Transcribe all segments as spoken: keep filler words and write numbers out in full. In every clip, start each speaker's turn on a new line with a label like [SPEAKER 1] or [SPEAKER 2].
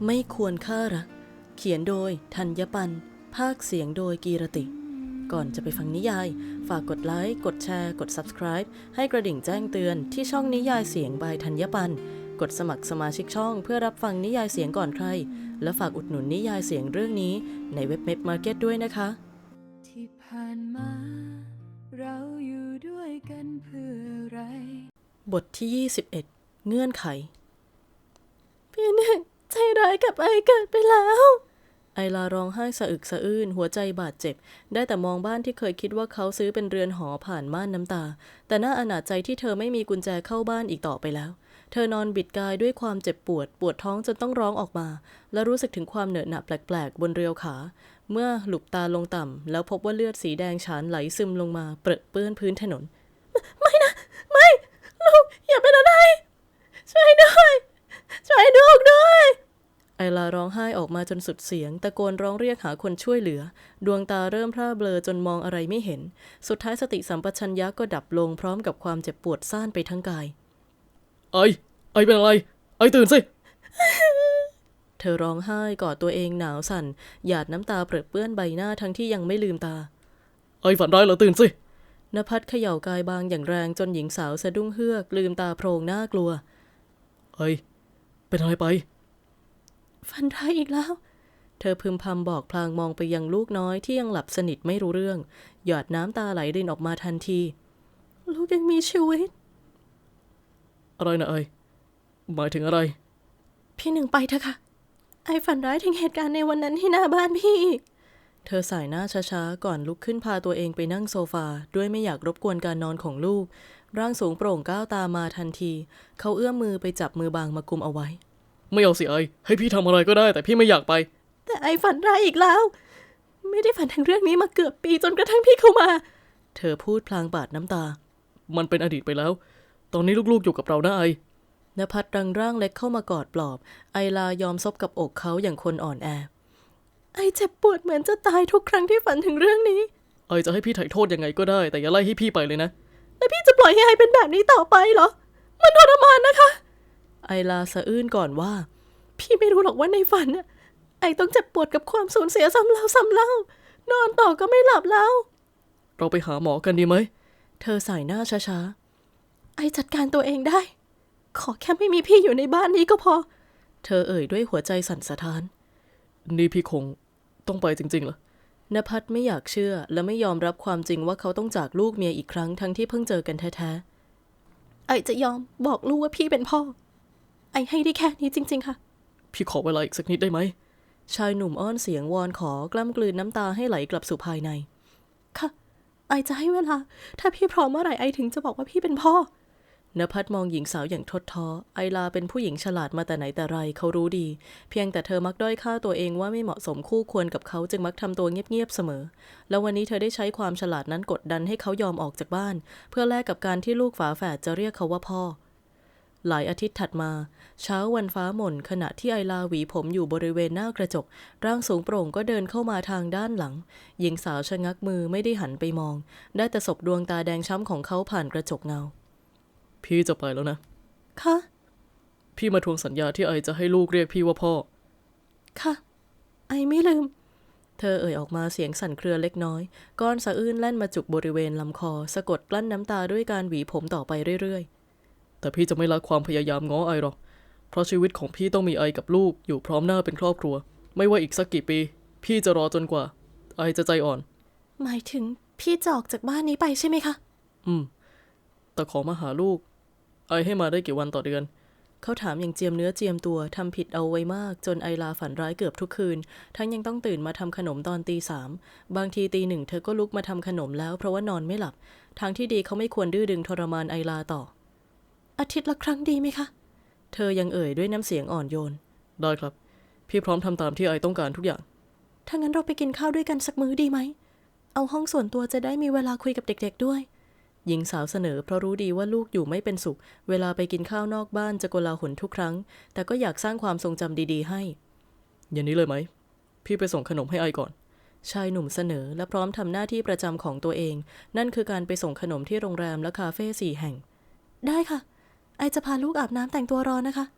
[SPEAKER 1] ไม่ควรฆ่ารักเขียนโดยธัญปันภาคเสียงโดยกีรติ ก่อนจะไปฟังนิยายฝากกดไลค์กดแชร์กด ซับสไครบ์ ให้กระดิ่งแจ้งเตือนที่ช่องนิยายเสียงบายธัญปันกดสมัครสมาชิกช่องเพื่อรับฟังนิยายเสียงก่อนใครและฝากอุดหนุนนิยายเสียงเรื่องนี้ในเว็บเมดมาร์เก็ตด้วยนะคะ
[SPEAKER 2] ที่ผ่านมาเราอยู่ด้วยกันเพื่ออะไร
[SPEAKER 1] บทที่ยี่สิบเอ็ดเงื่อนไขพี่หนึ่งใจร้ายกับไอเกิดไปแล้วไอลาร้องไห้สะอึกสะอื้นหัวใจบาดเจ็บได้แต่มองบ้านที่เคยคิดว่าเขาซื้อเป็นเรือนหอผ่านม่านน้ำตาแต่น่าอนาจใจที่เธอไม่มีกุญแจเข้าบ้านอีกต่อไปแล้วเธอนอนบิดกายด้วยความเจ็บปวดปวดท้องจนต้องร้องออกมาและรู้สึกถึงความเหนอะหนะแปลกๆบนเรียวขาเมื่อหลุบตาลงต่ำแล้วพบว่าเลือดสีแดงฉานไหลซึมลงมาเปรอะเปื้อนพื้นถนนไม่นะไม่ลูกอย่าเป็นอะไรช่วยด้วยช่วยลูกด้วยไอลาร้องไห้ออกมาจนสุดเสียงตะโกนร้องเรียกหาคนช่วยเหลือดวงตาเริ่มพร่าเบลอจนมองอะไรไม่เห็นสุดท้ายสติสัมปชัญญะก็ดับลงพร้อมกับความเจ็บปวดซ่านไปทั้งกาย
[SPEAKER 3] ไอไอเป็นอะไรไอตื่นสิ
[SPEAKER 1] เธอร้องไห้กอดตัวเองหนาวสั่นหยาดน้ำตาเปรอะเปื้อนใบหน้าทั้งที่ยังไม่ลืมตา
[SPEAKER 3] ไอฝันร้ายเหรอตื่นสิ
[SPEAKER 1] ณภัทรเขย่ากายบางอย่างแรงจนหญิงสาวสะดุ้งเฮือกลืมตาโพรงหน้ากลัว
[SPEAKER 3] ไอเป็นอะไรไป
[SPEAKER 1] ฝันร้ายอีกแล้วเธอพึมพำบอกพลางมองไปยังลูกน้อยที่ยังหลับสนิทไม่รู้เรื่องหยาดน้ำตาไหลรินออกมาทันทีลูกยังมีชีวิต
[SPEAKER 3] อะไรนะไอหมายถึงอะไร
[SPEAKER 1] พี่หนึ่งไปเถอะค่ะไอฝันร้ายถึงเหตุการณ์ในวันนั้นที่หน้าบ้านพี่อีกเธอสายหน้าช้าๆก่อนลุกขึ้นพาตัวเองไปนั่งโซฟาด้วยไม่อยากรบกวนการนอนของลูกร่างสูงโปร่งก้าวตามมาทันทีเขาเอื้อมมือไปจับมือบางมากุมเอาไว้
[SPEAKER 3] ไม่เอาสิไอให้พี่ทำอะไรก็ได้แต่พี่ไม่อยากไป
[SPEAKER 1] แต่ไอฝันร้ายอีกแล้วไม่ได้ฝันถึงเรื่องนี้มาเกือบปีจนกระทั่งพี่เข้ามาเธอพูดพลางปาดน้ำตา
[SPEAKER 3] มันเป็นอดีตไปแล้วตอนนี้ลูกๆอยู่กับเรานะไอ
[SPEAKER 1] ณภัทรรังร่างเล็กเข้ามากอดปลอบไอลายอมซบกับอกเขาอย่างคนอ่อนแอไอเจ็บปวดเหมือนจะตายทุกครั้งที่ฝันถึงเรื่องนี้
[SPEAKER 3] ไอจะให้พี่ไถ่โทษยังไงก็ได้แต่อย่าไล่ให้พี่ไปเลยนะ
[SPEAKER 1] แล้วพี่จะปล่อยให้ไอเป็นแบบนี้ต่อไปเหรอมันทรมานนะคะไอลาสะอื้นก่อนว่าพี่ไม่รู้หรอกว่าในฝันน่ะไอต้องเจ็บปวดกับความสูญเสียซ้ำแล้วซ้ำเล่านอนต่อก็ไม่หลับแล้ว
[SPEAKER 3] เราไปหาหมอกันดีไหม
[SPEAKER 1] เธอสายหน้าช้าๆไอจัดการตัวเองได้ขอแค่ไม่มีพี่อยู่ในบ้านนี้ก็พอเธอเอ่ยด้วยหัวใจสั่นสะท้าน
[SPEAKER 3] นี่พี่คงต้องไปจริงๆเหรอ
[SPEAKER 1] ณภัทรไม่อยากเชื่อและไม่ยอมรับความจริงว่าเขาต้องจากลูกเมียอีกครั้งทั้งที่เพิ่งเจอกันแท้ๆไอจะยอมบอกลูกว่าพี่เป็นพ่อไอให้ได้แค่นี้จริงๆค่ะ
[SPEAKER 3] พี่ขอเวลาอีกสักนิดได้ไหม
[SPEAKER 1] ชายหนุ่มอ้อนเสียงวอนขอกล้ำกลืนน้ำตาให้ไหลกลับสู่ภายในค่ะไอจะให้เวลาถ้าพี่พร้อมเมื่อไหร่ไอถึงจะบอกว่าพี่เป็นพ่อณภัทรมองหญิงสาวอย่างทดท้อไอลาเป็นผู้หญิงฉลาดมาแต่ไหนแต่ไรเขารู้ดีเพียงแต่เธอมักด้อยค่าตัวเองว่าไม่เหมาะสมคู่ควรกับเขาจึงมักทำตัวเงียบๆเสมอแล้ววันนี้เธอได้ใช้ความฉลาดนั้นกดดันให้เขายอมออกจากบ้านเพื่อแลกกับการที่ลูกฝาแฝดจะเรียกเขาว่าพ่อหลายอาทิตย์ถัดมาเช้าวันฟ้าหม่นขณะที่ไอลาหวีผมอยู่บริเวณหน้ากระจกร่างสูงโปร่งก็เดินเข้ามาทางด้านหลังหญิงสาวชะงักมือไม่ได้หันไปมองได้แต่สบดวงตาแดงช้ำของเขาผ่านกระจกเงา
[SPEAKER 3] พี่จะไปแล้วนะ
[SPEAKER 1] ค่ะ
[SPEAKER 3] พี่มาทวงสัญญาที่ไอจะให้ลูกเรียกพี่ว่าพ่อ
[SPEAKER 1] ค่ะไอไม่ลืมเธอเอ่ยออกมาเสียงสั่นเครือเล็กน้อยก้อนสะอื้นแล่นมาจุกบริเวณลำคอสะกดกลั้นน้ำตาด้วยการหวีผมต่อไปเรื่อย
[SPEAKER 3] ๆแต่พี่จะไม่ละความพยายามง้อไอหรอกเพราะชีวิตของพี่ต้องมีไอกับลูกอยู่พร้อมหน้าเป็นครอบครัวไม่ว่าอีกสักกี่ปีพี่จะรอจนกว่าไอจะใจอ่อน
[SPEAKER 1] หมายถึงพี่จะออกจากบ้านนี้ไปใช่ไหมคะ
[SPEAKER 3] อืมแต่ขอมาหาลูกไอให้มาได้กี่วันต่อเดือน
[SPEAKER 1] เขาถามอย่างเจียมเนื้อเจียมตัวทำผิดเอาไว้มากจนไอลาฝันร้ายเกือบทุกคืนทั้งยังต้องตื่นมาทำขนมตอนตีสามบางทีตีหนึ่งเธอก็ลุกมาทำขนมแล้วเพราะว่านอนไม่หลับทางที่ดีเขาไม่ควรดื้อดึงทรมานไอลาต่ออาทิตย์ละครั้งดีไหมคะเธอยังเอ่ยด้วยน้ำเสียงอ่อนโยน
[SPEAKER 3] ได้ครับพี่พร้อมทำตามที่ไอต้องการทุกอย่าง
[SPEAKER 1] ถ้างั้นเราไปกินข้าวด้วยกันสักมื้อดีไหมเอาห้องส่วนตัวจะได้มีเวลาคุยกับเด็กๆด้วยหญิงสาวเสนอเพราะรู้ดีว่าลูกอยู่ไม่เป็นสุขเวลาไปกินข้าวนอกบ้านจะโกลาหลทุกครั้งแต่ก็อยากสร้างความทรงจำดีๆให้
[SPEAKER 3] อย่างนี้เลยไหมพี่ไปส่งขนมให้ไอก่อน
[SPEAKER 1] ชายหนุ่มเสนอและพร้อมทำหน้าที่ประจำของตัวเองนั่นคือการไปส่งขนมที่โรงแรมและคาเฟ่สี่แห่งได้ค่ะไอจะพาลูกอาบน้ำแต่งตัวรอนะคะ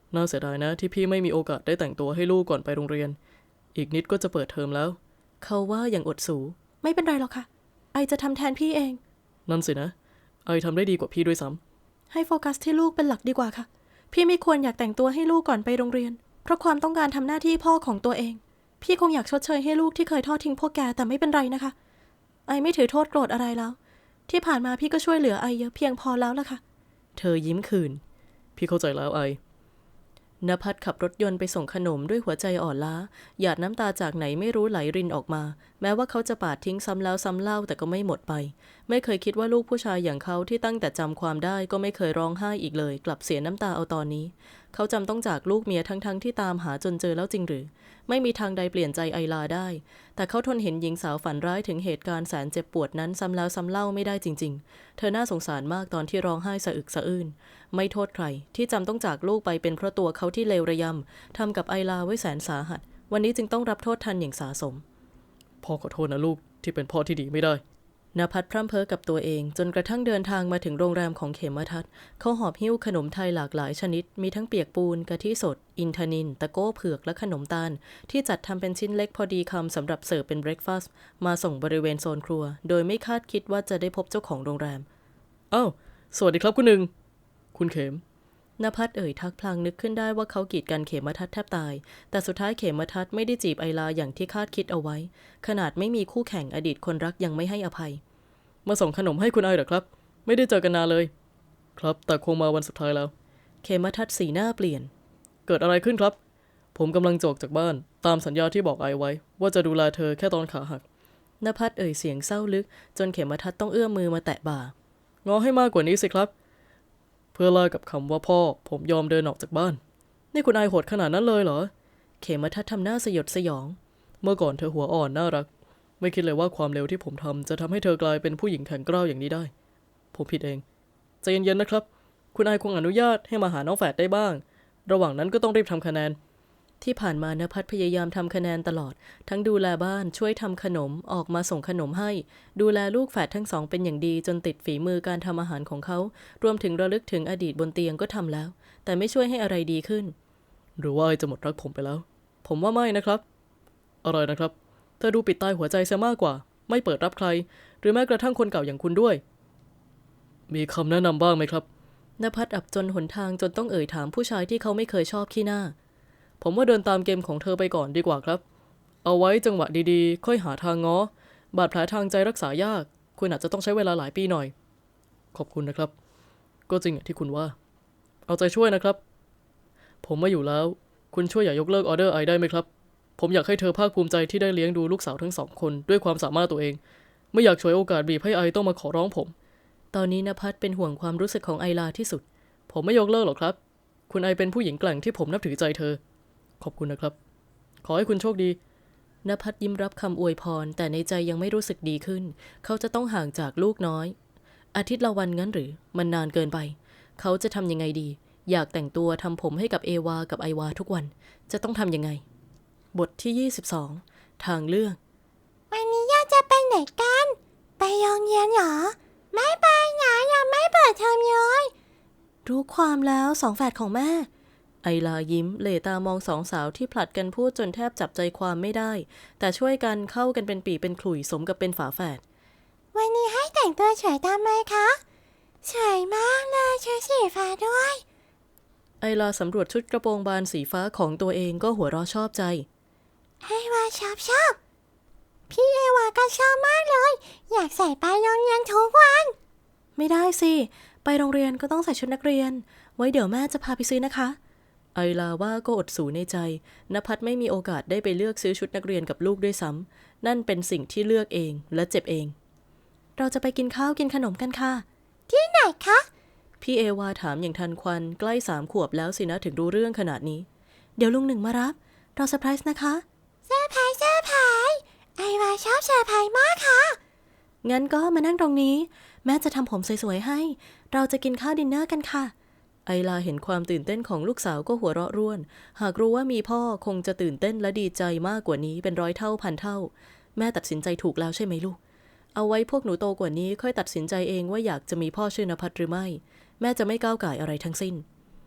[SPEAKER 3] น่าเสียดายนะที่พี่ไม่มีโอกาสได้แต่งตัวให้ลูกก่อนไปโรงเรียนอีกนิดก็จะเปิดเทอมแล้ว
[SPEAKER 1] เขาว่าอย่างอดสูไม่เป็นไรหรอกค่ะไอจะทำแทนพี่เอง
[SPEAKER 3] นั่นสินะไอทำได้ดีกว่าพี่ด้วยซ้
[SPEAKER 1] ำให้โฟกัสที่ลูกเป็นหลักดีกว่าค่ะพี่ไม่ควรอยากแต่งตัวให้ลูกก่อนไปโรงเรียนเพราะความต้องการทำหน้าที่พ่อของตัวเองพี่คงอยากชดเชยให้ลูกที่เคยทอดทิ้งพวกแกแต่ไม่เป็นไรนะคะไอไม่ถือโทษโกรธอะไรแล้วที่ผ่านมาพี่ก็ช่วยเหลือไอเยอะเพียงพอแล้วล่ะค่ะ
[SPEAKER 3] เธอยิ้มคืนพี่เข้าใจแล้วไอ
[SPEAKER 1] ณภัทรขับรถยนต์ไปส่งขนมด้วยหัวใจอ่อนล้าหยาดน้ำตาจากไหนไม่รู้ไหลรินออกมาแม้ว่าเขาจะปาดทิ้งซ้ำแล้วซ้ำเล่าแต่ก็ไม่หมดไปไม่เคยคิดว่าลูกผู้ชายอย่างเขาที่ตั้งแต่จำความได้ก็ไม่เคยร้องไห้อีกเลยกลับเสียน้ำตาเอาตอนนี้เขาจำต้องจากลูกเมียทั้งๆที่ตามหาจนเจอแล้วจริงหรือไม่มีทางใดเปลี่ยนใจไอลาได้แต่เขาทนเห็นหญิงสาวฝันร้ายถึงเหตุการณ์แสนเจ็บปวดนั้นซ้ำแล้วซ้ำเล่าไม่ได้จริงๆเธอน่าสงสารมากตอนที่ร้องไห้สะอึกสะอื้นไม่โทษใครที่จำต้องจากลูกไปเป็นเพราะตัวเขาที่เลวระยำทำกับไอลาไว้แสนสาหัสวันนี้จึงต้องรับโทษทันอย่างสาสม
[SPEAKER 3] พ่อขอโทษนะลูกที่เป็นพ่อที่ดีไม่ได้
[SPEAKER 1] ณภัทรพร่ำเพ้อกับตัวเองจนกระทั่งเดินทางมาถึงโรงแรมของเขมทัศน์เขาหอบหิ้วขนมไทยหลากหลายชนิดมีทั้งเปียกปูนกะทิสดอินทนิลตะโก้เผือกและขนมตาลที่จัดทำเป็นชิ้นเล็กพอดีคำสำหรับเสิร์ฟเป็นเบรคฟาสต์มาส่งบริเวณโซนครัวโดยไม่คาดคิดว่าจะได้พบเจ้าของโรงแรม
[SPEAKER 3] อ้าวสวัสดีครับคุณหนึ่งคุณเขม
[SPEAKER 1] ณภัทรเอ่ยทักพลางนึกขึ้นได้ว่าเขากีดกันเขมทัศน์แทบตายแต่สุดท้ายเขมทัศน์ไม่ได้จีบไอลาอย่างที่คาดคิดเอาไว้ขนาดไม่มีคู่แข่งอดีตคนรักยังไม่ให้อภัย
[SPEAKER 3] มาส่งขนมให้คุณไอเหรอครับไม่ได้เจอกันนานเลยครับแต่คงมาวันสุดท้ายแล้ว
[SPEAKER 1] เขมทัศน์สีหน้าเปลี่ยน
[SPEAKER 3] เกิดอะไรขึ้นครับผมกำลังจะออกจากบ้านตามสัญญาที่บอกไอไว้ว่าจะดูแลเธอแค่ตอนขาหัก
[SPEAKER 1] ณภัทรเอ่ยเสียงเศร้าลึกจนเขมทัศน์ต้องเอื้อมมือมาแตะบ่า
[SPEAKER 3] ง้อให้มากกว่านี้สิครับเพื่อลากับคำว่าพ่อผมยอมเดินออกจากบ้านนี่คุณไอโหดขนาดนั้นเลยเหรอ
[SPEAKER 1] เขมทัศน์ทำหน้าสยดสยอง
[SPEAKER 3] เมื่อก่อนเธอหัวอ่อนน่ารักไม่คิดเลยว่าความเลวที่ผมทำจะทำให้เธอกลายเป็นผู้หญิงแข็งกร้าวอย่างนี้ได้ผมผิดเองใจเย็นๆนะครับคุณไอคงอนุญาตให้มาหาน้องแฝดได้บ้างระหว่างนั้นก็ต้องรีบทำคะแนน
[SPEAKER 1] ที่ผ่านมาณภัทรพยายามทำคะแนนตลอดทั้งดูแลบ้านช่วยทำขนมออกมาส่งขนมให้ดูแลลูกแฝดทั้งสองเป็นอย่างดีจนติดฝีมือการทำอาหารของเขารวมถึงระลึกถึงอดีตบนเตียงก็ทำแล้วแต่ไม่ช่วยให้อะไรดีขึ้น
[SPEAKER 3] หรือว่าไอจะหมดรักผมไปแล้วผมว่าไม่นะครับอะไรนะครับเธอดูปิดตายหัวใจซะมากกว่าไม่เปิดรับใครหรือแม้กระทั่งคนเก่าอย่างคุณด้วยมีคำแนะนำบ้างไหมครับ
[SPEAKER 1] ณภัทรอับจนหนทางจนต้องเอ่ยถามผู้ชายที่เขาไม่เคยชอบขี้หน้า
[SPEAKER 3] ผมว่าเดินตามเกมของเธอไปก่อนดีกว่าครับเอาไว้จังหวะดีๆค่อยหาทางง้อบาดแผลทางใจรักษายากคุณอาจจะต้องใช้เวลาหลายปีหน่อยขอบคุณนะครับก็จริงอย่างที่คุณว่าเอาใจช่วยนะครับผมมาอยู่แล้วคุณช่วยอย่ายกเลิกออเดอร์ไอได้ไหมครับผมอยากให้เธอภาคภูมิใจที่ได้เลี้ยงดูลูกสาวทั้งสองคนด้วยความสามารถตัวเองไม่อยากฉวยโอกาสบีบให้ไอต้องมาขอร้องผม
[SPEAKER 1] ตอนนี้ณภัทรเป็นห่วงความรู้สึกของไอลาที่สุด
[SPEAKER 3] ผมไม่ยกเลิกหรอกครับคุณไอเป็นผู้หญิงแกร่งที่ผมนับถือใจเธอขอบคุณนะครับขอให้คุณโชคดี
[SPEAKER 1] ณภัทรยิ้มรับคำอวยพรแต่ในใจยังไม่รู้สึกดีขึ้นเขาจะต้องห่างจากลูกน้อยอาทิตย์ละวันงั้นหรือมันนานเกินไปเขาจะทำยังไงดีอยากแต่งตัวทำผมให้กับเอวากับไอวาทุกวันจะต้องทำยังไงบทที่ยี่สิบสองทางเลือก
[SPEAKER 4] วันนี้ย่าจะไปไหนกันไปโรงเรียนเหรอไม่ไปนะยังไม่เปิดเทอมเลย
[SPEAKER 1] รู้ความแล้วสองแฝดของแม่ไอลายิ้มเหล่ตามองสองสาวที่ผลัดกันพูดจนแทบจับใจความไม่ได้แต่ช่วยกันเข้ากันเป็นปีเป็นขลุ่ยสมกับเป็นฝาแฝด
[SPEAKER 4] วันนี้ให้แต่งตัวสวยตามไหมคะสวยมากเลยชุดสีฟ้าด้วย
[SPEAKER 1] ไอลาสำรวจชุดกระโปรงบานสีฟ้าของตัวเองก็หัวเราะชอบใจ
[SPEAKER 4] ไอวาชอบชอบพี่เอวาก็ชอบมากเลยอยากใส่ไปโรงเรียนทุกวัน
[SPEAKER 1] ไม่ได้สิไปโรงเรียนก็ต้องใส่ชุดนักเรียนไว้เดี๋ยวแม่จะพาไปซื้อนะคะไอลาว่าก็อดสูในใจณภัทรไม่มีโอกาสได้ไปเลือกซื้อชุดนักเรียนกับลูกด้วยซ้ำนั่นเป็นสิ่งที่เลือกเองและเจ็บเองเราจะไปกินข้าวกินขนมกันค่ะ
[SPEAKER 4] ที่ไหนคะ
[SPEAKER 1] พี่เอวาถามอย่างทันควันใกล้สามขวบแล้วสินะถึงรู้เรื่องขนาดนี้เดี๋ยวลุงหนึ่งมารับเราเซอร์ไพรส์นะคะ
[SPEAKER 4] เซอร์ไพรส์เซอร์ไพรส์ไอวาชอบเซอร์ไพรส์มากค่ะ
[SPEAKER 1] งั้นก็มานั่งตรงนี้แม่จะทำผมสวยๆให้เราจะกินข้าวดินเนอร์กันค่ะไอลาเห็นความตื่นเต้นของลูกสาวก็หัวเราะร่วนหากรู้ว่ามีพ่อคงจะตื่นเต้นและดีใจมากกว่านี้เป็นร้อยเท่าพันเท่าแม่ตัดสินใจถูกแล้วใช่ไหมลูกเอาไว้พวกหนูโตกว่านี้ค่อยตัดสินใจเองว่าอยากจะมีพ่อชื่อนภัทรหรือไม่แม่จะไม่ก้าวก่ายอะไรทั้งสิ้น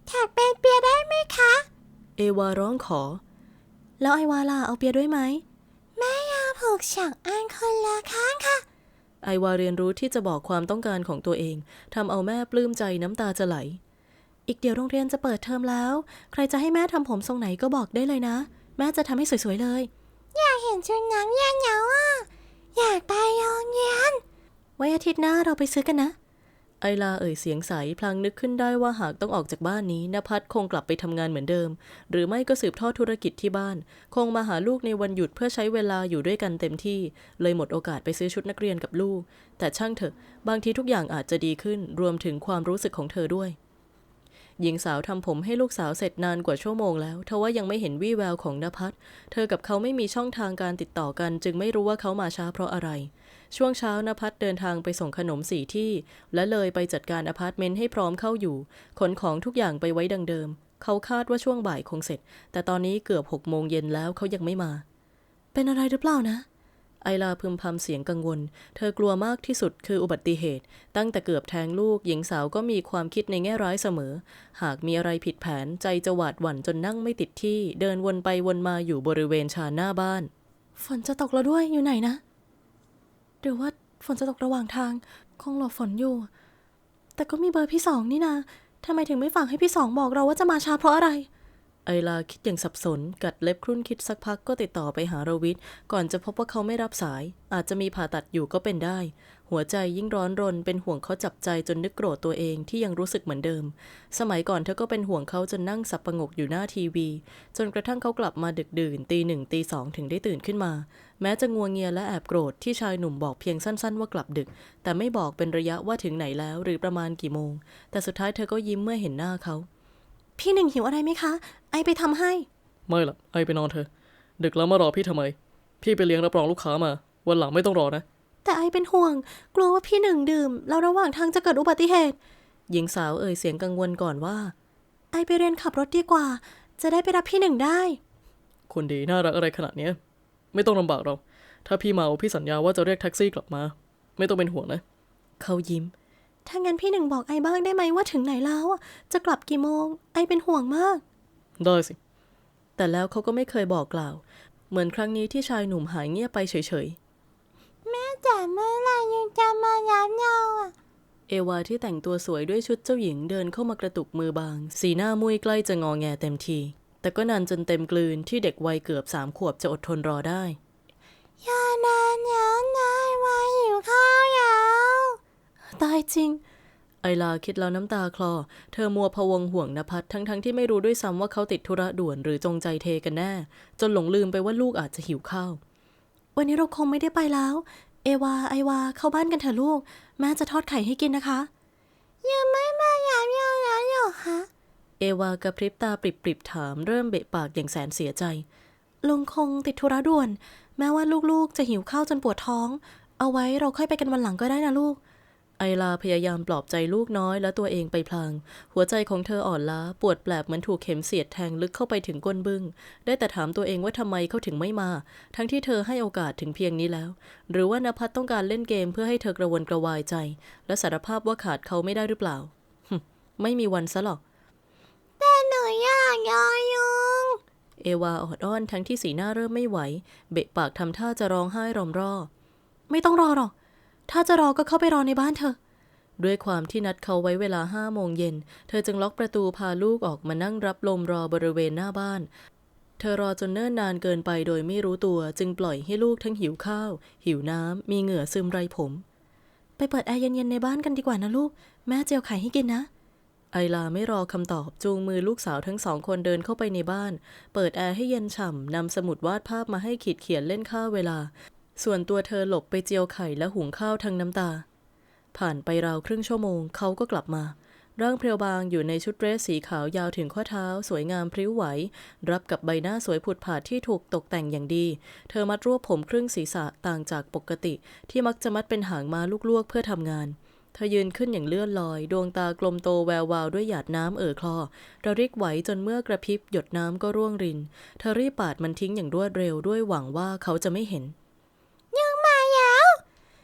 [SPEAKER 4] ถักเป็นเปียได้ไหมคะ
[SPEAKER 1] เอวาร้องขอ แล้วไอวาล่ะเอาเปียด้วยไหม
[SPEAKER 4] แม่ยาผูกสองอันคนละข้างค่ะ
[SPEAKER 1] ไอวาเรียนรู้ที่จะบอกความต้องการของตัวเองทำเอาแม่ปลื้มใจน้ำตาจะไหล อีกเดี๋ยวโรงเรียนจะเปิดเทอมแล้ว ใครจะให้แม่ทำผมทรงไหนก็บอกได้เลยนะ แม่จะทำให้สวยๆเลย
[SPEAKER 4] อยากเห็นชุดนักเรียนแล้วอ่ะ อยากไปโรงเรียน
[SPEAKER 1] ไว้อาทิตย์หน้าเราไปซื้อกันนะ ไอลาเอ่ยเสียงใสพลางนึกขึ้นได้ว่าหากต้องออกจากบ้านนี้ณภัทรคงกลับไปทำงานเหมือนเดิมหรือไม่ก็สืบทอดธุรกิจที่บ้านคงมาหาลูกในวันหยุดเพื่อใช้เวลาอยู่ด้วยกันเต็มที่เลยหมดโอกาสไปซื้อชุดนักเรียนกับลูกแต่ช่างเถอะบางทีทุกอย่างอาจจะดีขึ้นรวมถึงความรู้สึกของเธอด้วยหญิงสาวทำผมให้ลูกสาวเสร็จนานกว่าชั่วโมงแล้วทว่ายังไม่เห็นวี่แววของณภัทรเธอกับเขาไม่มีช่องทางการติดต่อกันจึงไม่รู้ว่าเขามาช้าเพราะอะไรช่วงเช้าณภัทรเดินทางไปส่งขนมสี่ที่และเลยไปจัดการอพาร์ตเมนต์ให้พร้อมเข้าอยู่ขนของทุกอย่างไปไว้ดังเดิมเขาคาดว่าช่วงบ่ายคงเสร็จแต่ตอนนี้เกือบหกโมงเย็นแล้วเขายังไม่มาเป็นอะไรหรือเปล่านะไอลาพึมพำเสียงกังวลเธอกลัวมากที่สุดคืออุบัติเหตุตั้งแต่เกือบแทงลูกหญิงสาวก็มีความคิดในแง่ร้ายเสมอหากมีอะไรผิดแผนใจจะหวาดหวั่นจนนั่งไม่ติดที่เดินวนไปวนมาอยู่บริเวณชานหน้าบ้านฝนจะตกแล้วด้วยอยู่ไหนนะหรือว่าฝนจะตกระหว่างทางคงหลบฝนอยู่แต่ก็มีเบอร์พี่สองนี่นาทำไมถึงไม่ฝากให้พี่สองบอกเราว่าจะมาช้าเพราะอะไรไอลาคิดอย่างสับสนกัดเล็บครุ่นคิดสักพักก็ติดต่อไปหารวิทย์ก่อนจะพบว่าเขาไม่รับสายอาจจะมีผ่าตัดอยู่ก็เป็นได้หัวใจยิ่งร้อนรนเป็นห่วงเขาจับใจจนนึกโกรธตัวเองที่ยังรู้สึกเหมือนเดิมสมัยก่อนเธอก็เป็นห่วงเขาจนนั่งสับประงกอยู่หน้าทีวีจนกระทั่งเขากลับมาดึกดื่นตีหนึ่งตีสองถึงได้ตื่นขึ้นมาแม้จะงัวเงียและแอบโกรธที่ชายหนุ่มบอกเพียงสั้นๆว่ากลับดึกแต่ไม่บอกเป็นระยะว่าถึงไหนแล้วหรือประมาณกี่โมงแต่สุดท้ายเธอก็ยิ้มเมื่อเห็นหน้าเขาพี่หนึ่งหิวอะไรไหมคะไอไปทำให้
[SPEAKER 3] ไม่ล่ะไอไปนอนเถอะดึกแล้วมารอพี่ทำไมพี่ไปเลี้ยงรับรองลูกค้ามาวันหลังไม่ต้องรอนะ
[SPEAKER 1] แต่ไอเป็นห่วงกลัวว่าพี่หนึ่งดื่มแล้วระหว่างทางจะเกิดอุบัติเหตุหญิงสาวเอ่ยเสียงกังวลก่อนว่าไอไปเรียนขับรถดีกว่าจะได้ไปรับพี่หนึ่งได้
[SPEAKER 3] คนดีน่ารักอะไรขนาดนี้ไม่ต้องลำบากเราถ้าพี่เมาพี่สัญญาว่าจะเรียกแท็กซี่กลับมาไม่ต้องเป็นห่วงนะ
[SPEAKER 1] เขายิ้มถ้างั้นพี่หนึ่งบอกไอบ้างได้ไหมว่าถึงไหนแล้วจะกลับกี่โมงไอเป็นห่วงมาก
[SPEAKER 3] ได้สิ
[SPEAKER 1] แต่แล้วเขาก็ไม่เคยบอกกล่าวเหมือนครั้งนี้ที่ชายหนุ่มหายเงียบไปเฉย
[SPEAKER 4] ๆแม่จ๋าเมื่อไรยังจะมารับเราอ่ะ
[SPEAKER 1] เอวาที่แต่งตัวสวยด้วยชุดเจ้าหญิงเดินเข้ามากระตุกมือบางสีหน้ามุ้ยใกล้จะงอแงเต็มทีแต่ก็นานจนเต็มกลืนที่เด็กวัยเกือบสามขวบจะอดทนรอได้
[SPEAKER 4] อย่านานแล้วนายว่าหิวข้าวแล้ว
[SPEAKER 1] ตายจริงไอลาคิดแล้วน้ำตาคลอเธอมัวพะวงห่วงณภัทรทั้งๆ ท, ที่ไม่รู้ด้วยซ้ำว่าเขาติดธุระด่วนหรือจงใจเทกันแน่จนหลงลืมไปว่าลูกอาจจะหิวข้าววันนี้เราคงไม่ได้ไปแล้วเอวาไอวาเข้าบ้านกันเถอะลูกแม่จะทอดไข่ให้กินนะคะ
[SPEAKER 4] ยังไม่มาหยามยาวแล้วเหรอคะ
[SPEAKER 1] เอวากระพริบตาปริบๆถามเริ่มเบะปากอย่างแสนเสียใจลุงคงติดธุระด่วนแม้ว่าลูกๆจะหิวข้าวจนปวดท้องเอาไว้เราค่อยไปกันวันหลังก็ได้นะลูกไอลาพยายามปลอบใจลูกน้อยและตัวเองไปพลางหัวใจของเธออ่อนล้าปวดแปลบเหมือนถูกเข็มเสียดแทงลึกเข้าไปถึงก้นบึ้งได้แต่ถามตัวเองว่าทำไมเขาถึงไม่มาทั้งที่เธอให้โอกาสถึงเพียงนี้แล้วหรือว่าณภัทรต้องการเล่นเกมเพื่อให้เธอกระวนกระวายใจและสารภาพว่าขาดเขาไม่ได้หรือเปล่าไม่มีวันซะหรอก
[SPEAKER 4] แต่หนูอยากยอยุง
[SPEAKER 1] เอวาออดอ้อนทั้งที่สีหน้าเริ่มไม่ไหวเบะปากทำท่าจะร้องไห้รอมร่อไม่ต้องรอหรอกถ้าจะรอก็เข้าไปรอในบ้านเธอด้วยความที่นัดเขาไว้เวลาห้าโมงเย็นเธอจึงล็อกประตูพาลูกออกมานั่งรับลมรอบริเวณหน้าบ้านเธอรอจนเนิ่นนานเกินไปโดยไม่รู้ตัวจึงปล่อยให้ลูกทั้งหิวข้าวหิวน้ำมีเหงื่อซึมไรผมไปเปิดแอร์เย็นๆในบ้านกันดีกว่านะลูกแม่เจียวไข่ให้กินนะไอลาไม่รอคำตอบจูงมือลูกสาวทั้งสองคนเดินเข้าไปในบ้านเปิดแอร์ให้เย็นฉ่ำนำสมุดวาดภาพมาให้ขีดเขียนเล่นค่าเวลาส่วนตัวเธอหลบไปเจียวไข่และหุงข้าวทั้งน้ำตาผ่านไปราวครึ่งชั่วโมงเขาก็กลับมาร่างเพรียวบางอยู่ในชุดเดรสสีขาวยาวถึงข้อเท้าสวยงามพริ้วไหวรับกับใบหน้าสวยผุดผาดที่ถูกตกแต่งอย่างดีเธอมัดรวบผมครึ่งศีรษะต่างจากปกติที่มักจะมัดเป็นหางม้าลูกลวกเพื่อทำงานเธอยืนขึ้นอย่างเลื่อนลอยดวงตากลมโตแวววาวด้วยหยาดน้ำเอ่อคลอระริกไหวจนเมื่อกระพริบหยดน้ำก็ร่วงรินเธอรีบปาดมันทิ้งอย่างรวดเร็วด้วยหวังว่าเขาจะไม่เห็น
[SPEAKER 4] ยังมาแล้ว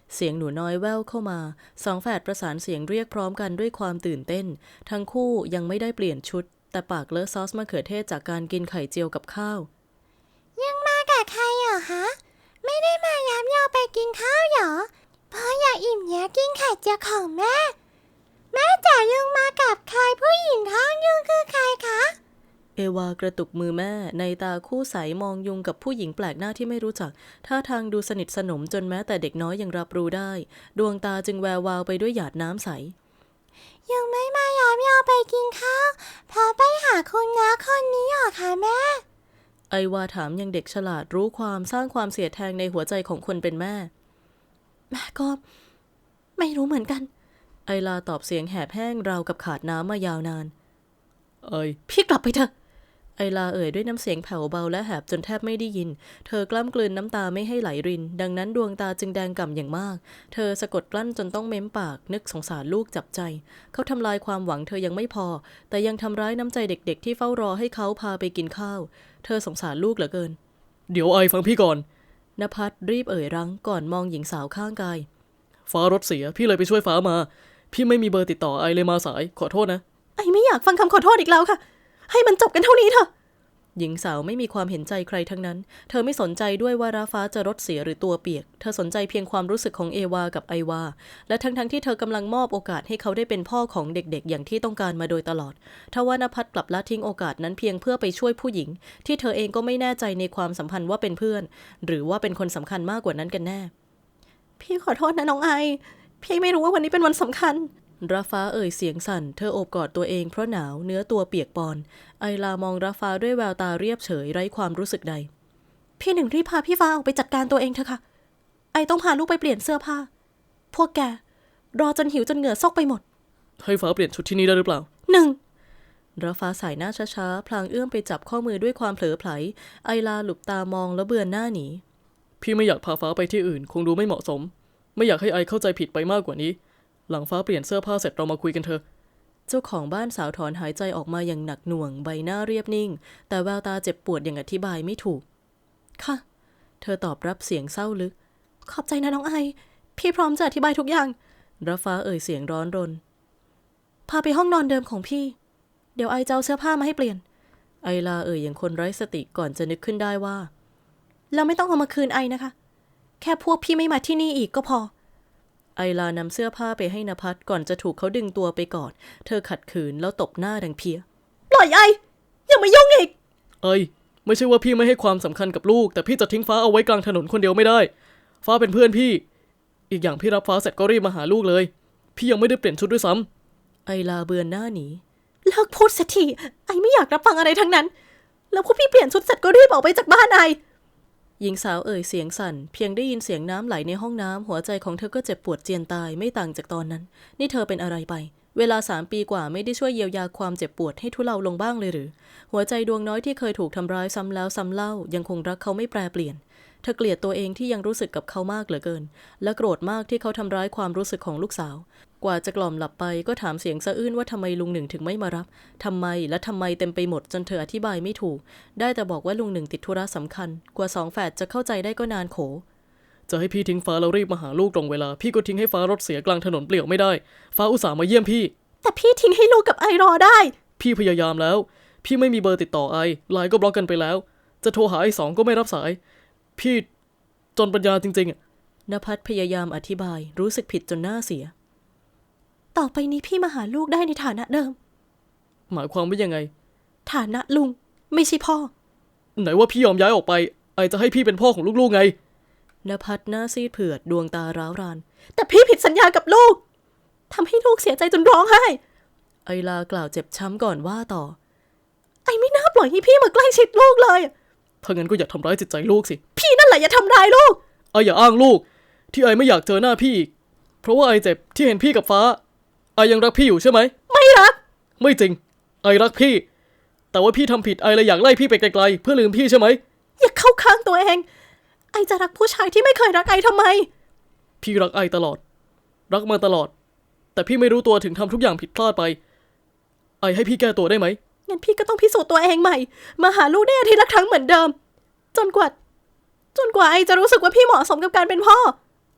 [SPEAKER 1] เสียงหนูน้อยแว่วเข้ามาสองแฝดประสานเสียงเรียกพร้อมกันด้วยความตื่นเต้นทั้งคู่ยังไม่ได้เปลี่ยนชุดแต่ปากเลอะซอสมะเขือเทศจากการกินไข่เจียวกับข้าว
[SPEAKER 4] ยังมากับใครเหรอฮะไม่ได้มาย้ำยอไปกินข้าวเหรอเพราะอยากอิ่มอยากกินไข่เจียวของแม่แม่จ๋ายังมากับใครผู้หญิงท้องยุงคือใครคะ
[SPEAKER 1] เอวากระตุกมือแม่ในตาคู่ใสมองยุงกับผู้หญิงแปลกหน้าที่ไม่รู้จักท่าทางดูสนิทสนมจนแม้แต่เด็กน้อยยังรับรู้ได้ดวงตาจึงแวววาวไปด้วยหยาดน้ำใส
[SPEAKER 4] ยังไม่มาย้ำยอไปกินข้าวเพราะไปหาคุณน้าคนนี้เหรอคะแม่
[SPEAKER 1] ไอวาถามยังเด็กฉลาดรู้ความสร้างความเสียดแทงในหัวใจของคนเป็นแม่
[SPEAKER 4] แม่ก็ไม่รู้เหมือนกัน
[SPEAKER 1] ไอลาตอบเสียงแหบแห้งราวกับขาดน้ำมายาวนาน
[SPEAKER 3] เอ้ย
[SPEAKER 1] พี่กลับไปเถอะไอลาเอ่ยด้วยน้ำเสียงแผ่วเบาและแหบจนแทบไม่ได้ยินเธอกล้ำกลืนน้ำตาไม่ให้ไหลรินดังนั้นดวงตาจึงแดงก่ำอย่างมากเธอสะกดกลั้นจนต้องเม้มปากนึกสงสารลูกจับใจเขาทำลายความหวังเธอยังไม่พอแต่ยังทำร้ายน้ำใจเด็กๆที่เฝ้ารอให้เขาพาไปกินข้าวเธอสงสารลูกเหลือเกิน
[SPEAKER 3] เดี๋ยวไอฟังพี่ก่อน
[SPEAKER 1] ณภัสรีบเอ่ยรั้งก่อนมองหญิงสาวข้างกาย
[SPEAKER 3] ฟ้ารถเสียพี่เลยไปช่วยฟ้ามาพี่ไม่มีเบอร์ติดต่อไอเลยมาสายขอโทษนะ
[SPEAKER 1] ไอไม่อยากฟังคำขอโทษอีกแล้วค่ะให้มันจบกันเท่านี้เถอะหญิงสาวไม่มีความเห็นใจใครทั้งนั้นเธอไม่สนใจด้วยว่าราฟ้าจะรถเสียหรือตัวเปียกเธอสนใจเพียงความรู้สึกของเอวากับไอวาและทั้งๆ ท, ที่เธอกำลังมอบโอกาสให้เขาได้เป็นพ่อของเด็กๆอย่างที่ต้องการมาโดยตลอดทว่านภัสกลับละทิ้งโอกาสนั้นเพียงเพื่อไปช่วยผู้หญิงที่เธอเองก็ไม่แน่ใจในความสัมพันธ์ว่าเป็นเพื่อนหรือว่าเป็นคนสำคัญมากกว่านั้นกันแน่พี่ขอโทษนะน้องไอพี่ไม่รู้ว่าวันนี้เป็นวันสำคัญราฟ้าเอ่ยเสียงสั่นเธอโอบกอดตัวเองเพราะหนาวเนื้อตัวเปียกปอนไอลามองราฟ้าด้วยแววตาเรียบเฉยไร้ความรู้สึกใดพี่หนึ่งรีบพาพี่ฟ้าออกไปจัดการตัวเองเถอะค่ะไอต้องพาลูกไปเปลี่ยนเสื้อผ้าพวกแกรอจนหิวจนเหงื่อซกไปหมด
[SPEAKER 3] ให้ฟ้าเปลี่ยนชุดที่นี่ได้หรือเปล่า
[SPEAKER 1] หนึ่งราฟ้าสายหน้าช้าๆพลางเอื้อมไปจับข้อมือด้วยความเผลอไผลไอลาหลุบตามองแล้วเบือนหน้าหนี
[SPEAKER 3] พี่ไม่อยากพาฟ้าไปที่อื่นคงดูไม่เหมาะสมไม่อยากให้ไอเข้าใจผิดไปมากกว่านี้หลังฟ้าเปลี่ยนเสื้อผ้าเสร็จเรามาคุยกันเถอะ
[SPEAKER 1] เจ้าของบ้านสาวถอนหายใจออกมาอย่างหนักหน่วงใบหน้าเรียบนิ่งแต่แววตาเจ็บปวดอย่างอธิบายไม่ถูกค่ะเธอตอบรับเสียงเศร้าลึกขอบใจนะน้องไอพี่พร้อมจะอธิบายทุกอย่างราฟ้าเอ่ยเสียงร้อนรนพาไปห้องนอนเดิมของพี่เดี๋ยวไอจะเอาเสื้อผ้ามาให้เปลี่ยนไอลาเอ่ยอย่างคนไร้สติก่อนจะนึกขึ้นได้ว่าเราไม่ต้องเอามาคืนไอนะคะแค่พวกพี่ไม่มาที่นี่อีกก็พอไอลานำเสื้อผ้าไปให้ณภัสก่อนจะถูกเขาดึงตัวไปกอดเธอขัดขืนแล้วตบหน้าดังเพี้ยปล่อยไออย่ามายุ่งอีก
[SPEAKER 3] ไอไม่ใช่ว่าพี่ไม่ให้ความสำคัญกับลูกแต่พี่จะทิ้งฟ้าเอาไว้กลางถนนคนเดียวไม่ได้ฟ้าเป็นเพื่อนพี่อีกอย่างพี่รับฟ้าเสร็จก็รีบมาหาลูกเลยพี่ยังไม่ได้เปลี่ยนชุดด้วยซ้
[SPEAKER 1] ำไอลาเบือนหน้าหนีเลิกพูดสักทีไอไม่อยากรับฟังอะไรทั้งนั้นแล้วพวกพี่เปลี่ยนชุดเสร็จก็รีบออกไปจากบ้านไอหญิงสาวเอ่ยเสียงสั่นเพียงได้ยินเสียงน้ำไหลในห้องน้ำหัวใจของเธอก็เจ็บปวดเจียนตายไม่ต่างจากตอนนั้นนี่เธอเป็นอะไรไปเวลาสามปีกว่าไม่ได้ช่วยเยียวยาความเจ็บปวดให้ทุเลาลงบ้างเลยหรือหัวใจดวงน้อยที่เคยถูกทำร้ายซ้ำแล้วซ้ำเล่ายังคงรักเขาไม่แปรเปลี่ยนเธอเกลียดตัวเองที่ยังรู้สึกกับเขามากเหลือเกินและโกรธมากที่เขาทำร้ายความรู้สึกของลูกสาวกว่าจะกล่อมหลับไปก็ถามเสียงสะอื้นว่าทำไมลุงหนึ่งถึงไม่มารับทำไมและทำไมเต็มไปหมดจนเธออธิบายไม่ถูกได้แต่บอกว่าลุงหนึ่งติดธุระสำคัญกว่าสองแฝดจะเข้าใจได้ก็นานโข
[SPEAKER 3] จะให้พี่ทิ้งฟ้าแล้วรีบมาหาลูกตรงเวลาพี่ก็ทิ้งให้ฟ้ารถเสียกลางถนนเปลี่ยวไม่ได้ฟ้าอุตส่าห์มาเยี่ยมพี่
[SPEAKER 1] แต่พี่ทิ้งให้ลูกกับไอรอได้
[SPEAKER 3] พี่พยายามแล้วพี่ไม่มีเบอร์ติดต่อไอไลน์ก็บล็อกกันไปแล้วจะโทรหาไอสองก็ไม่รับสายพี่จนปัญญาจริงๆ
[SPEAKER 1] ณภัสพยายามอธิบายรู้สึกผิดจนหน้าเสียต่อไปนี้พี่มาหาลูกได้ในฐานะเดิม
[SPEAKER 3] หมายความว่ายังไง
[SPEAKER 1] ฐานะลุงไม่ใช่พ่อ
[SPEAKER 3] ไหนว่าพี่ยอมย้ายออกไปไอจะให้พี่เป็นพ่อของลูกๆไง
[SPEAKER 1] ณภัสหน้าซีดเผือดดวงตาร้าวรานแต่พี่ผิดสัญญากับลูกทำให้ลูกเสียใจจนร้องไห้ไอลากล่าวเจ็บช้ำก่อนว่าต่อไอไม่น่าปล่อยให้พี่มาใกล้ชิดลูกเลย
[SPEAKER 3] ถ้างั้นก็อย่าทำร้ายจิตใจลูกสิ
[SPEAKER 1] พี่นั่นแหละอย่าทำร้ายลูก
[SPEAKER 3] ไออย่าอ้างลูกที่ไอไม่อยากเจอหน้าพี่เพราะว่าไอเจ็บที่เห็นพี่กับฟ้าไอยังรักพี่อยู่ใช่ไหม
[SPEAKER 1] ไม่รัก
[SPEAKER 3] ไม่จริงไอรักพี่แต่ว่าพี่ทำผิดไอเลยอยากไล่พี่ไปไกลๆเพื่อลืมพี่ใช่ไหม
[SPEAKER 1] อย่าเข้าข้างตัวเองไอจะรักผู้ชายที่ไม่เคยรักไอทำไม
[SPEAKER 3] พี่รักไอตลอดรักมาตลอดแต่พี่ไม่รู้ตัวถึงทำทุกอย่างผิดพลาดไปไอให้พี่แก้ตัวได้ไหม
[SPEAKER 1] งั้นพี่ก็ต้องพิสูจน์ตัวเองใหม่มาหาลูกได้อาทิตย์ละครั้งเหมือนเดิมจนกว่าจนกว่าไอจะรู้สึกว่าพี่เหมาะสมกับการเป็นพ่อ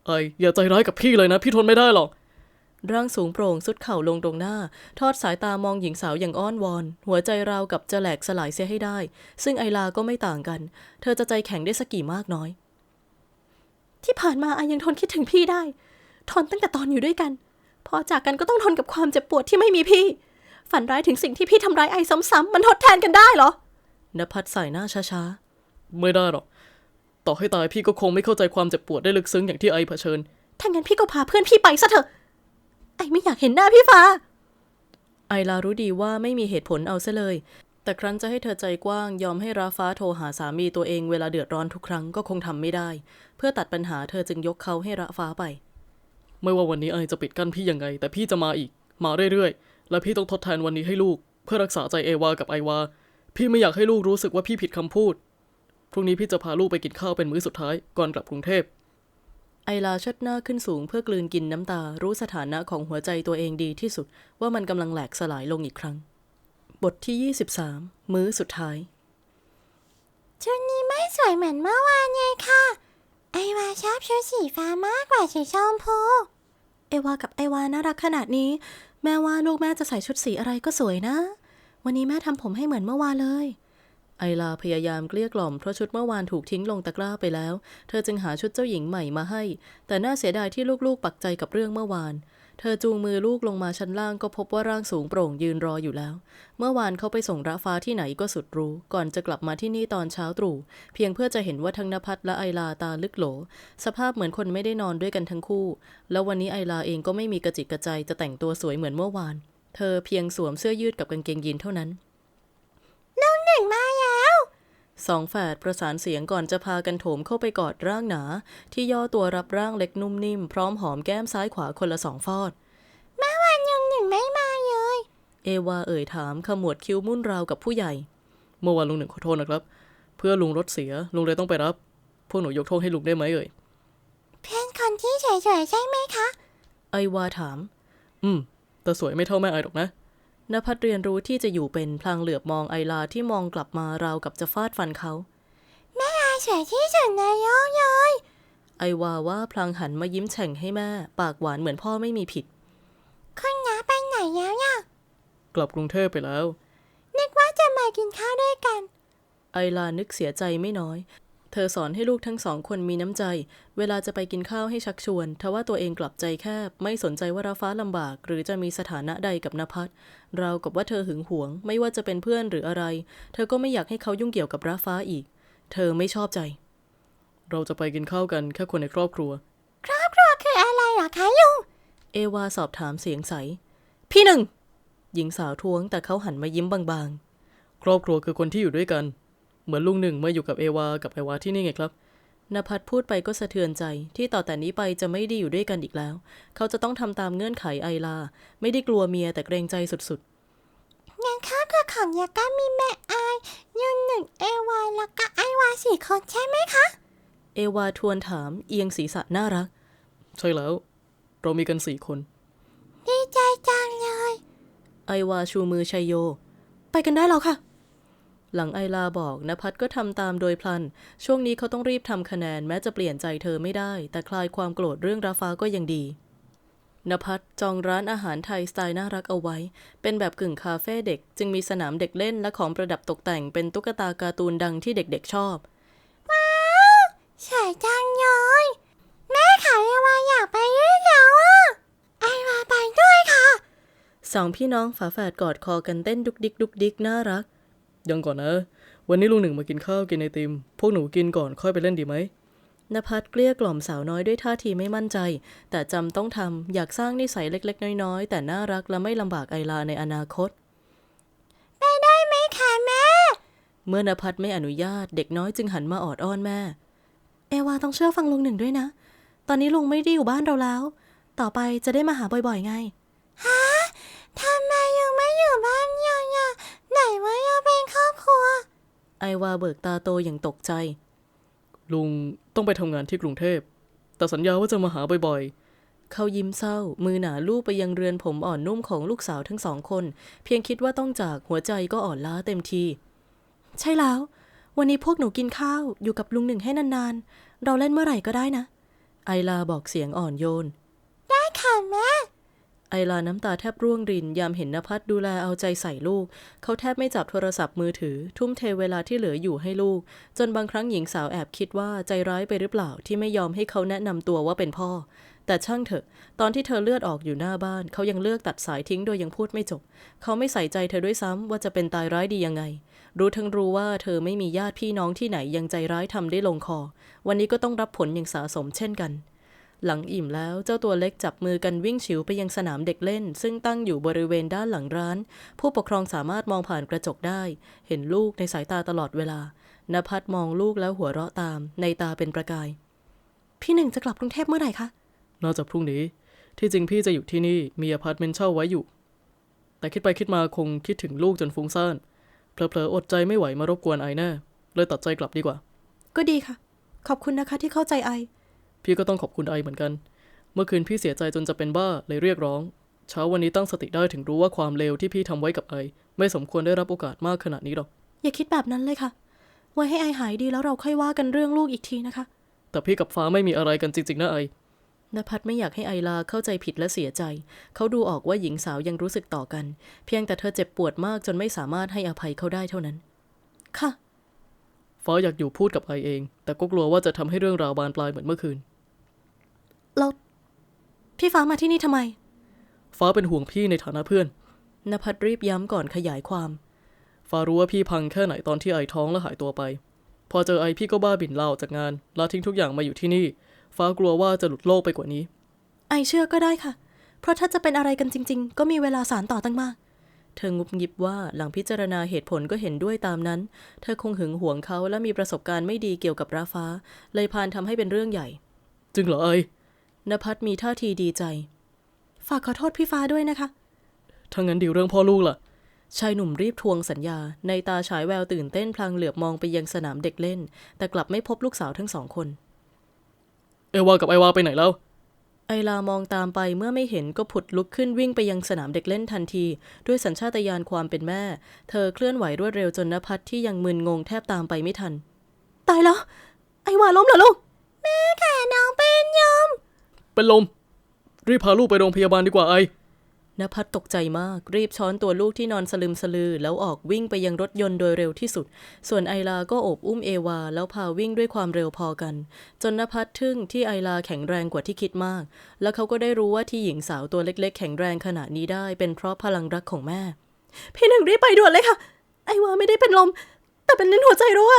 [SPEAKER 3] ไออย่าใจร้ายกับพี่เลยนะพี่ทนไม่ได้หรอก
[SPEAKER 1] ร่างสูงโปร่งสุดเข่าลงตรงหน้าทอดสายตามองหญิงสาวอย่างอ้อนวอนหัวใจราวกับจะแหลกสลายเสียให้ได้ซึ่งไอลาก็ไม่ต่างกันเธอจะใจแข็งได้สักกี่มากน้อยที่ผ่านมาไอยังทนคิดถึงพี่ได้ทนตั้งแต่ตอนอยู่ด้วยกันพอจากกันก็ต้องทนกับความเจ็บปวดที่ไม่มีพี่ฝันร้ายถึงสิ่งที่พี่ทำร้ายไอซ้ำๆมันทดแทนกันได้เหรอนภัสสายหน้าช้า
[SPEAKER 3] ๆไม่ได้หรอกต่อให้ตายพี่ก็คงไม่เข้าใจความเจ็บปวดได้ลึกซึ้งอย่างที่ไอเผชิญ
[SPEAKER 1] ถ้างั้นพี่ก็พาเพื่อนพี่ไปซะเถอะไอไม่อยากเห็นหน้าพี่ฟ้าไอลารู้ดีว่าไม่มีเหตุผลเอาซะเลยแต่ครั้นจะให้เธอใจกว้างยอมให้ราฟ้าโทรหาสามีตัวเองเวลาเดือดร้อนทุกครั้งก็คงทำไม่ได้เพื่อตัดปัญหาเธอจึงยกเขาให้ราฟ้าไป
[SPEAKER 3] ไม่ว่าวันนี้ไอจะปิดกั้นพี่ยังไงแต่พี่จะมาอีกมาเรื่อยๆและพี่ต้องทดแทนวันนี้ให้ลูกเพื่อรักษาใจเอวากับไอวาพี่ไม่อยากให้ลูกรู้สึกว่าพี่ผิดคำพูดพรุ่งนี้พี่จะพาลูกไปกินข้าวเป็นมื้อสุดท้ายก่อนกลับกรุงเทพ
[SPEAKER 1] ไอลาเชิดหน้าขึ้นสูงเพื่อกลืนกินน้ำตารู้สถานะของหัวใจตัวเองดีที่สุดว่ามันกำลังแหลกสลายลงอีกครั้งบทที่ยี่สิบสามมื้อสุดท้าย
[SPEAKER 4] ชุดนี้ไม่สวยเหมือนเมื่อวานไงค่ะไอวาชอบชุดสีฟ้ามากกว่าสีชมพู
[SPEAKER 1] เอวากับไอวาน่ารักขนาดนี้แม่ว่าลูกแม่จะใส่ชุดสีอะไรก็สวยนะวันนี้แม่ทำผมให้เหมือนเมื่อวานเลยไอลาพยายามเกลี้ยกล่อมเพราะชุดเมื่อวานถูกทิ้งลงตะกร้าไปแล้วเธอจึงหาชุดเจ้าหญิงใหม่มาให้แต่น่าเสียดายที่ลูกๆปักใจกับเรื่องเมื่อวานเธอจูงมือลูกลงมาชั้นล่างก็พบว่าร่างสูงโปร่งยืนรออยู่แล้วเมื่อวานเขาไปส่งระฟ้าที่ไหนก็สุดรู้ก่อนจะกลับมาที่นี่ตอนเช้าตรู่เพียงเพื่อจะเห็นว่าทั้งณภัสและไอลาตาลึกโหลสภาพเหมือนคนไม่ได้นอนด้วยกันทั้งคู่แล้ววันนี้ไอลาเองก็ไม่มีกระจิกกระใจจะแต่งตัวสวยเหมือนเมื่อวานเธอเพียงสวมเสื้อยืดกับกางเกงยีนเท่านั้น
[SPEAKER 4] ลุงหนึ่งมาแล้ว
[SPEAKER 1] สองแฝดประสานเสียงก่อนจะพากันโถมเข้าไปกอดร่างหนาที่ย่อตัวรับร่างเล็กนุ่มนิ่มพร้อมหอมแก้มซ้ายขวาคนละสองฟอด
[SPEAKER 4] เมื่อวานลุงหนึ่งไม่มาเลย
[SPEAKER 1] เอวาเอ่ยถามขมวดคิ้วมุ่นราวกับผู้ใหญ่
[SPEAKER 3] เมื่อวานลุงหนึ่งขอโทษนะครับเพื่อลุงรถเสียลุงเลยต้องไปรับพวกหนูยกโทษให้ลุงได้ไหมเอ่ย
[SPEAKER 4] เพื่อนคนที่สวยๆใช่ไหมคะ
[SPEAKER 1] ไอวาถาม
[SPEAKER 3] อืมแต่สวยไม่เท่าแม่ไอหรอกนะ
[SPEAKER 1] ณภัสเรียนรู้ที่จะอยู่เป็นพลางเหลือบมองไอลาที่มองกลับมาราวกับจะฟาดฟันเขา
[SPEAKER 4] แม่ไอสวยที่สุดในโลกเลย
[SPEAKER 1] ไอวาว่าพลางหันมายิ้มแฉ่งให้แม่ปากหวานเหมือนพ่อไม่มีผิด
[SPEAKER 4] คุณน้าไปไหนแล้วเนี่ย
[SPEAKER 3] กลับกรุงเทพไปแล้ว
[SPEAKER 4] นึกว่าจะมากินข้าวด้วยกัน
[SPEAKER 1] ไอลานึกเสียใจไม่น้อยเธอสอนให้ลูกทั้งสองคนมีน้ำใจเวลาจะไปกินข้าวให้ชักชวนทว่าตัวเองกลับใจแคบไม่สนใจว่าราฟ้าลำบากหรือจะมีสถานะใดกับณภัสราวกับว่าเธอหึงหวงไม่ว่าจะเป็นเพื่อนหรืออะไรเธอก็ไม่อยากให้เขายุ่งเกี่ยวกับราฟ้าอีกเธอไม่ชอบใจ
[SPEAKER 3] เราจะไปกินข้าวกันแค่คนในครอบครัว
[SPEAKER 4] ครอบครัวคืออะไรหรอคะลุง
[SPEAKER 1] เอวาสอบถามเสียงใสพี่หนึ่งหญิงสาวท้วงแต่เขาหันมายิ้มบาง
[SPEAKER 3] ๆครอบครัวคือคนที่อยู่ด้วยกันเหมือนลุงหนึ่งเมื่ออยู่กับเอวากับไอวาที่นี่ไงครับ
[SPEAKER 1] ณภัสพูดไปก็สะเทือนใจที่ต่อแต่นี้ไปจะไม่ได้อยู่ด้วยกันอีกแล้วเขาจะต้องทำตามเงื่อนไขไอลาไม่ได้กลัวเมียแต่เกรงใจสุด
[SPEAKER 4] ๆงั้นข้าวคือของยาก้ามีแม่ไอยุนหนึ่งเอวาแล้วก็ไอวาสี่คนใช่ไหมคะ
[SPEAKER 1] เอวาทวนถามเอียงศีรษะน่ารัก
[SPEAKER 3] ใช่แล้วเรามีกันสี่คน
[SPEAKER 4] ดีใจจังเลย
[SPEAKER 1] ไอวาชูมือชัยโยไปกันได้แล้วค่ะหลังไอลาบอกณภัสก็ทำตามโดยพลันช่วงนี้เขาต้องรีบทำคะแนนแม้จะเปลี่ยนใจเธอไม่ได้แต่คลายความโกรธเรื่องราฟ้าก็ยังดีณภัสจองร้านอาหารไทยสไตล์น่ารักเอาไว้เป็นแบบกึ่งคาเฟ่เด็กจึงมีสนามเด็กเล่นและของประดับตกแต่งเป็นตุ๊กตาการ์ตูนดังที่เด็กๆชอบ
[SPEAKER 4] ว้าวสวยจังเลยแม่ขายไอวาอยากไปด้วยแล้วอ่ะไอวาไปด้วยค่ะ
[SPEAKER 1] สองพี่น้องฝาแฝดกอดคอกันเต้นดุกดิกดุกดิกน่ารัก
[SPEAKER 3] ยังก่อนนะวันนี้ลุงหนึ่งมากินข้าวกินไอติมพวกหนูกินก่อนค่อยไปเล่นดีไหม
[SPEAKER 1] ณภัสเกลี้ยกล่อมสาวน้อยด้วยท่าทีไม่มั่นใจแต่จำต้องทำอยากสร้างนิสัยเล็กๆน้อยๆแต่น่ารักและไม่ลำบากไอลาในอนาคต
[SPEAKER 4] ไปได้ไหมคะแม่
[SPEAKER 1] เมื่อณภัสไม่อนุญาตเด็กน้อยจึงหันมาออดอ้อนแม่เอวาต้องเชื่อฟังลุงหนึ่งด้วยนะตอนนี้ลุงไม่ได้อยู่บ้านเราแล้วต่อไปจะได้มาหาบ่อยๆไง
[SPEAKER 4] ฮะทำไมยังไม่อยู่บ้านยังอ่ะไหนว่ายังเป็นครอบครัว
[SPEAKER 1] ไอวาเบิกตาโตอย่างตกใจ
[SPEAKER 3] ลุงต้องไปทำงานที่กรุงเทพแต่สัญญาว่าจะมาหาบ่อย
[SPEAKER 1] ๆเขายิ้มเศร้ามือหนาลูบไปยังเรือนผมอ่อนนุ่มของลูกสาวทั้งสองคนเพียงคิดว่าต้องจากหัวใจก็อ่อนล้าเต็มทีใช่แล้ววันนี้พวกหนูกินข้าวอยู่กับลุงหนึ่งให้นานๆเราเล่นเมื่อไหร่ก็ได้นะไอลาบอกเสียงอ่อนโยน
[SPEAKER 4] ได้ค่ะแม่
[SPEAKER 1] ไอลาน้ำตาแทบร่วงรินยามเห็นนภัสดูแลเอาใจใส่ลูกเขาแทบไม่จับโทรศัพท์มือถือทุ่มเทเวลาที่เหลืออยู่ให้ลูกจนบางครั้งหญิงสาวแอบคิดว่าใจร้ายไปหรือเปล่าที่ไม่ยอมให้เขาแนะนำตัวว่าเป็นพ่อแต่ช่างเถอะตอนที่เธอเลือดออกอยู่หน้าบ้านเขายังเลือกตัดสายทิ้งโดยยังพูดไม่จบเขาไม่ใส่ใจเธอด้วยซ้ำว่าจะเป็นตายร้ายดียังไงรู้ทั้งรู้ว่าเธอไม่มีญาติพี่น้องที่ไหนยังใจร้ายทำได้ลงคอวันนี้ก็ต้องรับผลอย่างสาสมเช่นกันหลังอิ่มแล้วเจ้าตัวเล็กจับมือกันวิ่งฉิวไปยังสนามเด็กเล่นซึ่งตั้งอยู่บริเวณด้านหลังร้านผู้ปกครองสามารถมองผ่านกระจกได้เห็นลูกในสายตาตลอดเวลานภัสมองลูกแล้วหัวเราะตามในตาเป็นประกายพี่หนึ่งจะกลับกรุงเทพเมื่อไหร่คะ
[SPEAKER 3] น่าจะพรุ่งนี้ที่จริงพี่จะอยู่ที่นี่มีอพาร์ตเมนต์เช่าไว้อยู่แต่คิดไปคิดมาคงคิดถึงลูกจนฟุ้งซ่านเผลอๆอดใจไม่ไหวมารบกวนไอแน่เลยตัดใจกลับดีกว่า
[SPEAKER 1] ก็ดีค่ะขอบคุณนะคะที่เข้าใจไอ
[SPEAKER 3] พี่ก็ต้องขอบคุณไอเหมือนกันเมื่อคืนพี่เสียใจจนจะเป็นบ้าเลยเรียกร้องเช้าวันนี้ตั้งสติได้ถึงรู้ว่าความเลวที่พี่ทำไว้กับไอไม่สมควรได้รับโอกาสมากขนาดนี้หรอก
[SPEAKER 1] อย่าคิดแบบนั้นเลยค่ะไว้ให้ไอหายดีแล้วเราค่อยว่ากันเรื่องลูกอีกทีนะคะ
[SPEAKER 3] แต่พี่กับฟ้าไม่มีอะไรกันจริงๆนะไอน
[SPEAKER 1] ภัสไม่อยากให้ไอลาเข้าใจผิดและเสียใจเขาดูออกว่าหญิงสาวยังรู้สึกต่อกันเพียงแต่เธอเจ็บปวดมากจนไม่สามารถให้อภัยเขาได้เท่านั้นค่ะ
[SPEAKER 3] ฟ้าอยากอยู่พูดกับไอเองแต่ก็กลัวว่าจะทำให้เรื่องราวบานปลายเหมือนเมื่อคืน
[SPEAKER 1] แล้วพี่ฟ้ามาที่นี่ทำไม
[SPEAKER 3] ฟ้าเป็นห่วงพี่ในฐานะเพื่อน
[SPEAKER 1] นภัสรีบย้ำก่อนขยายความ
[SPEAKER 3] ฟ้ารู้ว่าพี่พังแค่ไหนตอนที่ไอท้องและหายตัวไปพอเจอไอพี่ก็บ้าบิ่นลาออกจากงานลาทิ้งทุกอย่างมาอยู่ที่นี่ฟ้ากลัวว่าจะหลุดโลกไปกว่านี้
[SPEAKER 1] ไอเชื่อก็ได้ค่ะเพราะถ้าจะเป็นอะไรกันจริงๆก็มีเวลาสารต่อตั้งมากเธองุบงิบว่าหลังพิจารณาเหตุผลก็เห็นด้วยตามนั้นเธอคงหึงหวงเขาและมีประสบการณ์ไม่ดีเกี่ยวกับราฟ้าเลยพานทำให้เป็นเรื่องใหญ่
[SPEAKER 3] จริงเหรอไอน
[SPEAKER 1] ภัสมีท่าทีดีใจฝากขอโทษพี่ฟ้าด้วยนะคะ
[SPEAKER 3] ถ้างั้นดีเรื่องพ่อลูกล่ะ
[SPEAKER 1] ชายหนุ่มรีบทวงสัญญาในตาฉายแววตื่นเต้นพลางเหลือบมองไปยังสนามเด็กเล่นแต่กลับไม่พบลูกสาวทั้งสองคน
[SPEAKER 3] เอวากับไอวาไปไหนแล้ว
[SPEAKER 1] ไอลามองตามไปเมื่อไม่เห็นก็ผุดลุกขึ้นวิ่งไปยังสนามเด็กเล่นทันทีด้วยสัญชาตญาณความเป็นแม่เธอเคลื่อนไหวรวดเร็วจนนภัสที่ยังมึนงงแทบตามไปไม่ทันตายแล้วไอวาล้มเหรอลูก
[SPEAKER 4] แม่ค่ะน้องเป็นยม
[SPEAKER 3] เป็นลมรีบพาลูกไปโรงพยาบาลดีกว่าไอน
[SPEAKER 1] ภัสตกใจมากรีบช้อนตัวลูกที่นอนสลึมสลือแล้วออกวิ่งไปยังรถยนต์โดยเร็วที่สุดส่วนไอลาก็โอบอุ้มเอวาแล้วพาวิ่งด้วยความเร็วพอกันจนนภัสทึ่งที่ไอลาแข็งแรงกว่าที่คิดมากแล้วเขาก็ได้รู้ว่าที่หญิงสาวตัวเล็กๆแข็งแรงขนาดนี้ได้เป็นเพราะพลังรักของแม่พี่หนึ่งรีบไปด่วนเลยค่ะไอวาไม่ได้เป็นลมแต่เป็นลิ้นหัวใจรั่ว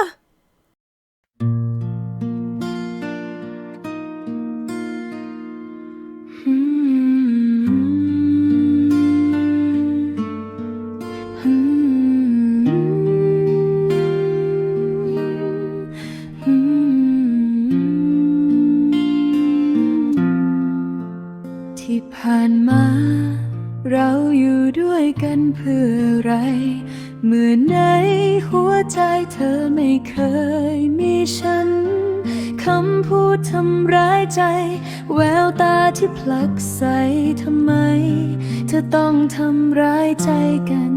[SPEAKER 2] ที่ผ่านมาเราอยู่ด้วยกันเพื่ออะไรเมื่อในหัวใจเธอไม่เคยมีฉันคำพูดทำร้ายใจแววตาที่ผลักใส่ทำไมเธอต้องทำร้ายใจกัน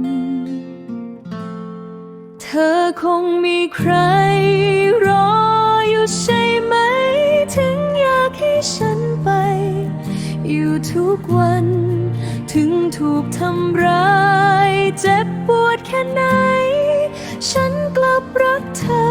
[SPEAKER 2] เธอคงมีใครรออยู่ใช่ไหมถึงอยากให้ฉันไปอยู่ทุกวันถึงถูกทำร้ายเจ็บปวดแค่ไหนฉันกลับรักเธอ